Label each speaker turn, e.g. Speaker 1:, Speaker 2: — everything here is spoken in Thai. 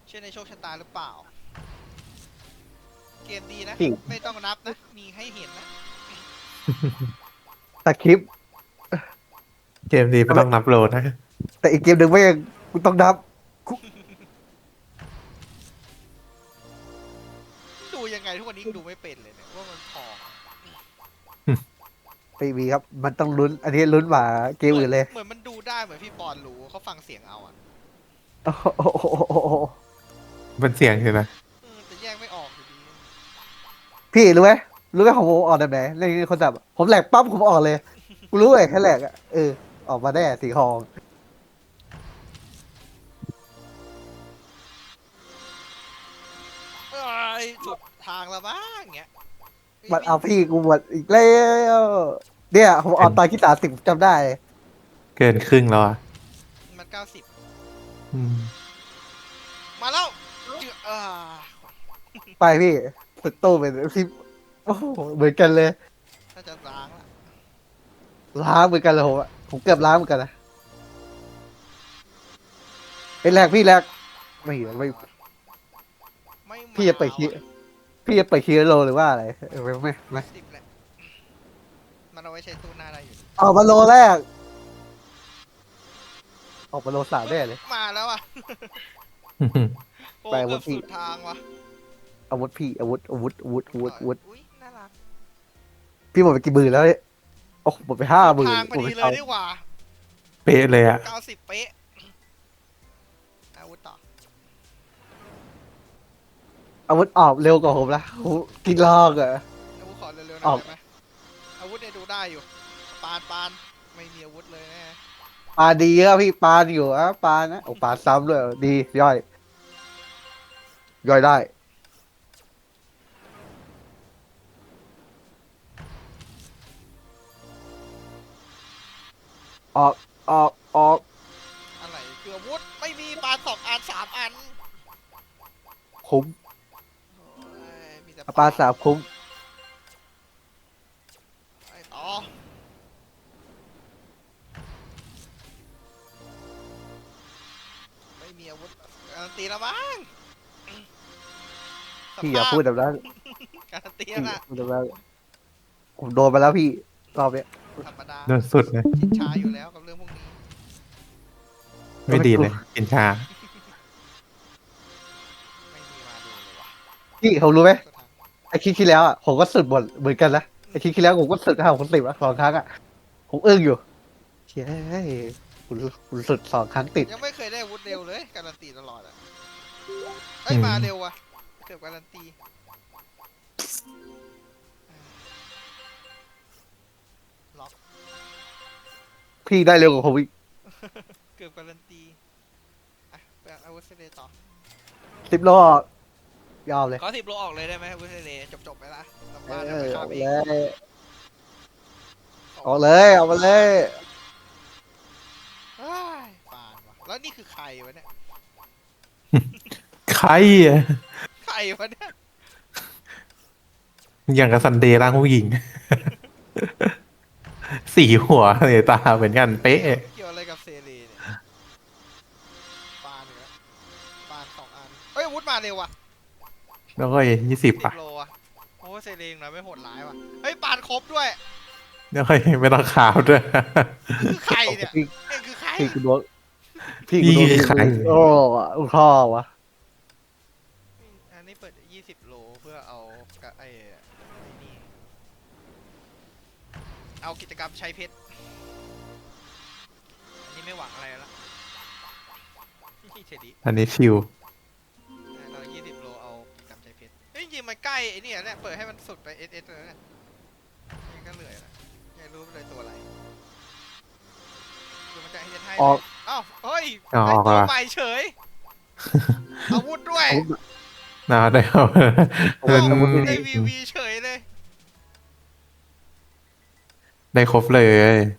Speaker 1: เชื่อในโชคชะตาหรือเปล่าเกมดีนะ
Speaker 2: พี่
Speaker 1: ไม่ต้องนับนะมีให้เห็นนะ
Speaker 2: สคริปต์
Speaker 3: เกมนี้ไม่ต้องนับโหลดนะ
Speaker 2: แต่อีกเกมหนึ่งไม่ยังกูต้องนับ
Speaker 1: ดูยังไงทุกวันนี้ดูไม่เป็นเลยเนี่ยว่ามันพอ
Speaker 2: ไม่มีครับ มันต้องลุ้น อันนี้ลุ้นกว่าเกมอื่นเลย
Speaker 1: เหมือนมันดูได้เหมือนพี่ปอนรู้เขาฟังเสียงเอาอ่ะ
Speaker 2: โอ้โห
Speaker 3: เป็นเสียงใช่ไหม
Speaker 1: แต่แยกไม่ออกอยู่ดี
Speaker 2: พี่รู้ไหมรู้ไหมของผมออกแบบไหนในคอนเซ็ปต์ผมแหลกปั๊บผมออกเลยกูรู้เลยแค่แหลกอ่ะออกมาได้สีทอง
Speaker 1: เอ้ยสุดทางละบ้างเงี้ย
Speaker 2: มันเอาพี่กูหมดอีกแล้วเนี่ยผมออกตอนที่30จำได้
Speaker 3: เกินครึ่งแล้วอ่ะ
Speaker 1: มัน90
Speaker 3: อืม
Speaker 1: มาแล้วเจือ
Speaker 2: ไปพี่สุดโต้เป็นพี่โอ้โหเหมือนกันเลย
Speaker 1: ถ้าจะล้างละ
Speaker 2: ล้างเหมือนกันเลยผมเกือบล้างเหมือนกันนะเป็นแรกพี่แรกไม่ไม่
Speaker 1: ไม่
Speaker 2: พี่จะเปิดคีย์พี่จะเปิดคีย์โลหรือว่าอะไรไม่
Speaker 1: 10แหละมันเอาไว้ใช้ตู้หน้าได้อยู่
Speaker 2: ออกมาโลแรกออกมาโลสามได้เลย
Speaker 1: มาแล้วอ่ะโอ้
Speaker 2: ไป
Speaker 1: เกือบ
Speaker 2: วันที่
Speaker 1: สุดทางว่ะ
Speaker 2: อาวุธพี่อาวุธ
Speaker 1: อุ้ยน่ารัก
Speaker 2: พี่หมดไปกี่หมื่นแล้วเนี่ยโอ้หมดไป50,000
Speaker 1: ทางพอดีเลยดีกว่า
Speaker 3: เป๊ะเลยอ่ะ
Speaker 1: 90เป๊ะอาวุธต่อ
Speaker 2: อาวุธออกเร็วกว่าผมละโหกินลอกอะ
Speaker 1: อาวุธขอเร็วๆห
Speaker 2: อ
Speaker 1: น่อ
Speaker 2: อย ก
Speaker 1: ได้ไหมอาวุธเนี่ยดูได้อยู่ปานไม่มีอาวุธเลยแน่
Speaker 2: ปลาดีอะพี่ปลาอยู่อะปลานะโอ้ปลาซ้ำด้วยดีย่อยได้ออกออก
Speaker 1: อะไรคืออาวุธไม่มีปาน2 อัน3 อัน
Speaker 2: คุ้ม
Speaker 1: โอ้ยมีแต่
Speaker 2: ปลาสามคุ้ม
Speaker 1: ไปต่อไม่มีอาวุธการันตีแล้วมั้ง
Speaker 2: พี่อย่าพูดแบบนั้น
Speaker 1: การันตี
Speaker 2: พี่
Speaker 1: แล้ว
Speaker 2: อย่า
Speaker 1: นะ
Speaker 2: พูดแบบนั้นผมโดนไปแล้วพี่รอบเนี้ย
Speaker 1: ธรรมดา
Speaker 3: โดนสุดเลย
Speaker 1: ชินช้าอยู่แล้วกับเรื่องพวกนี้
Speaker 3: ไม่ดีเลย กินชา
Speaker 1: ไม่มีมาดูเลยว่ะ
Speaker 2: พี่ผมรู้ไหม
Speaker 1: สุดท้าย
Speaker 2: ไอคลิปที่แล้วอ่ะผมก็สุดหมดเหมือนกันนะไอคลิปที่แล้วผมก็สุด50 คน 10อ่ะ2 ครั้งอ่ะผมอึ้งอยู่เฮ้ยคุณสุด2 ครั้งติด
Speaker 1: ยังไม่เคยได้อาวุธเร็วเลยการันตีตลอดอ่ะเอ้ย
Speaker 3: อืม
Speaker 1: มาเร็วว่ะเกือบการันตีล็อก
Speaker 2: พี่ได้เร็วกว่าผมอีก
Speaker 1: เกือบการันตีอ่ะไปอาวุธเซเลต่อ
Speaker 2: 10 โลยอมเลย
Speaker 1: ขอ10 โลออกเลยได้ไหมอาวุธเซเลจบไปละกลับบ้าน
Speaker 2: เอ
Speaker 1: เดี๋ยว
Speaker 2: อ
Speaker 1: ไปฆ่า
Speaker 2: เอา
Speaker 1: เอ
Speaker 2: เล
Speaker 1: ง
Speaker 2: ยเอาเลยเอามาเลย
Speaker 1: เอ้ยปานว่ะแล้วนี่คือใครวะเนี่ย
Speaker 3: ใครอ่ะ
Speaker 1: ใครวะเนี่ย
Speaker 3: อย่างกับซันเดย์ร่างผู้หญิง สีหัวเลยตาเหมือนกันเป๊ะ
Speaker 1: เกี่ยวอะไรกับเซเลเนี่ยปานอีกแล้วปาน2 อันเอ้ยอาวุธมาเร็วว่ะ
Speaker 3: แล้วก็20
Speaker 1: 10
Speaker 3: อ่ะ
Speaker 1: โลอ่ะโอ้เซเลงหน่อยไม่โหดร้ายว่ะเฮ้ยปานครบด้วย
Speaker 3: แล้วก็ไม่ต้องขาวด้วย
Speaker 1: คือใครเนี่ย
Speaker 2: พี่
Speaker 1: เอ็งคือใคร
Speaker 2: พี่กูโดนพี่กูโดน
Speaker 3: นี่ใคร
Speaker 2: โอ้พ่อวะ
Speaker 1: อันนี้เปิด20 โลเพื่อเอากะไอ้นี่เอากิจกรรมใช้เพชรอันนี้ไม่หวังอะไรแล้วนี่เฉดี
Speaker 3: อันนี้ชิว
Speaker 1: เรา20 โลเอากิจกรรมใช้เพชรเฮ้ยจริงๆมันใกล้ไอ้นี่เนี่ยเปิดให้มันสุดไปเอสเลยเนี่ยนี่ก็เหนื่อยละยังรู้เลยตัวอะไรคือมันจะให้ให้
Speaker 2: ออก
Speaker 1: อ้าวเฮ้ย
Speaker 3: อ๋อ
Speaker 1: ได้ตัว
Speaker 3: ออกละ
Speaker 1: ใหม่เฉยอาวุธด้วย
Speaker 3: นะได้ครับ
Speaker 2: อาวุธอาวุธ
Speaker 1: ได้วีเฉยเลย
Speaker 3: ได้ครบเลย